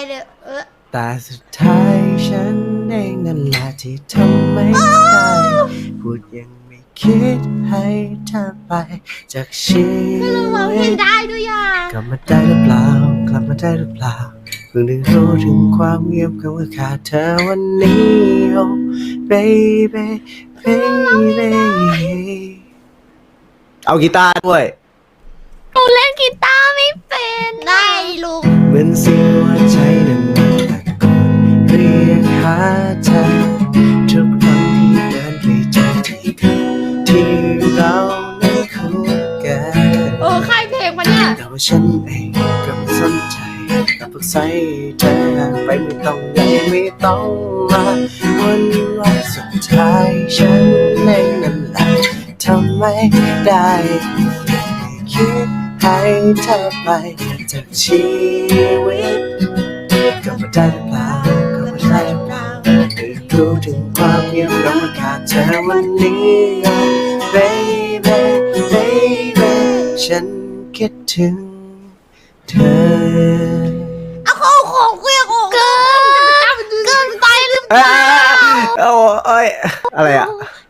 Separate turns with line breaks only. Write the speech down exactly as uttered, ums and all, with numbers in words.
เลยเออ
แต่สุดท้ายฉันเองนั่นแหละที่ทำไม่ได้พูดยังไม่คิดให้เธอไปจากชีวิต
คือเราเพลงได้ด้วยอ่ะ
กลับมาได้หรือเปล่ากลับมาได้หรือเปล่าเพิ่งได้รู้ถึงความเงียบของว่าขาดเธอวันนี้ oh baby baby เอากีตาร์ด้วย
หนูเล่นกีตาร์ไม่เป็น
ได้ลูก
เหมือนเสียงหัวใจนั้นมันตะโกนเรียกหาเธอทุกครั้งที่เดินไปเจอที่คืนที่เรานั้นคู่กัน
โอ้ค่ายเพลงปะเนี่ย
แต่ว่าฉันเองก็ไม่สนใจกับพวกใส่เธอไปไม่ต้องไหนไม่ต้องมาวันวันสุดท้ายฉันเองนั่นแหละทำไม่ได้คิดให้เธอไปจากชีวิตก็ไม่ได้หรือเปล่าก็ไม่ได้หรือเปล่าได้รู้ถึงความเงียบเราขาดเธอวันนี้ baby baby ฉันคิดถึงเธอ
เอาของของกูยังของ
เกินเกินไปหรือเปล่า
โอ้ยอะไรอ่ะ